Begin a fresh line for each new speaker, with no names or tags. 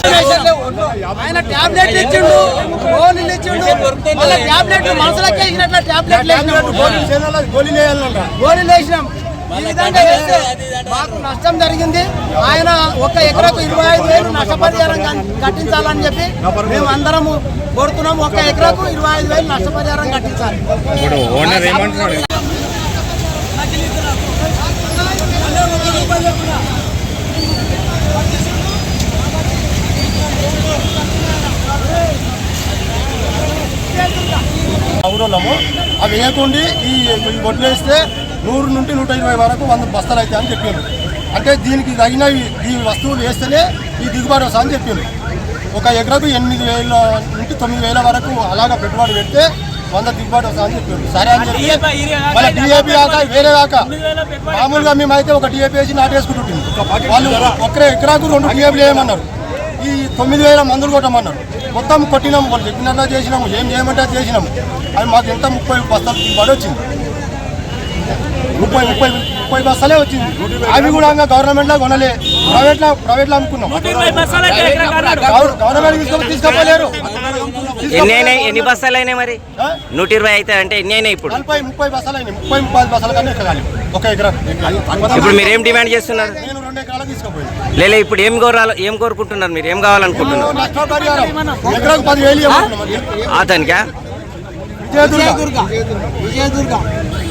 ఆయన టాబ్లెట్లు ఇచ్చిండు, గోళీలు ఇచ్చిండు, మళ్ళీ టాబ్లెట్లు మనసులకి వేసినట్ల టాబ్లెట్లు గోళీలు వేసినాం. ఈ విధంగా వేస్తే మాకు నష్టం జరిగింది. ఆయన 1 ఎకరాకు 25,000 నష్టపరిహారం కట్టించాలని చెప్పి మేము అందరము కోరుతున్నాం. 1 ఎకరాకు 25,000 నష్టపరిహారం కట్టించాలి.
ఊరోళ్ళము అవి వేయకుండా ఈ వడ్లు వేస్తే 100 నుండి 120 వరకు 100 బస్తాలు అవుతాయి అని చెప్పారు. అంటే దీనికి తగినవి ఈ వస్తువులు వేస్తేనే ఈ దిగుబడి వస్తా అని చెప్పారు. 1 ఎకరాకు 8,000 నుండి 9,000 వరకు అలాగా పెట్టుబడి పెడితే 100 దిగుబడి వస్తా అని చెప్పారు. సరే అని చెప్పి మళ్ళీ డిఏపి కాక వేరే కాక మామూలుగా మేమైతే ఒక డిఏపి వేసి నాటేసుకుంటుంది. వాళ్ళు 1 ఎకరాకు 2 డిఏపీలు వేయమన్నారు. ఈ 9,000 మందులు కొట్టమన్నారు. మొత్తం కొట్టినాము, వాళ్ళు చెప్పినట్లా చేసినాము, ఏం చేయమంటే చేసినాము. అది మాకు ఎంత 30 బస్తాలు దిగుబడి వచ్చింది. 30 బస్తాలే వచ్చింది. అవి కూడా గవర్నమెంట్లో కొనలే, ప్రైవేట్లో అమ్ముకున్నాం. గవర్నమెంట్ తీసుకోలేరు.
ఎన్ని బస్తాలు అయినాయి మరి? 120 అయితే అంటే ఎన్ని అయినాయి ఇప్పుడు?
30 బస్తాలు అయినాయి. 30 బస్తాల కన్నా ఎక్కగాలి 1 ఎకరా.
ఇప్పుడు మీరు ఏం డిమాండ్ చేస్తున్నారు?
నేను 2 ఎకరాలకు తీసుకోపోయింది.
లేదు ఇప్పుడు ఏం కోరుకుంటున్నారు? మీరు ఏం కావాలనుకుంటున్నారు?
ఎకరాకు 10,000
అతనికా?
విజయదుర్గ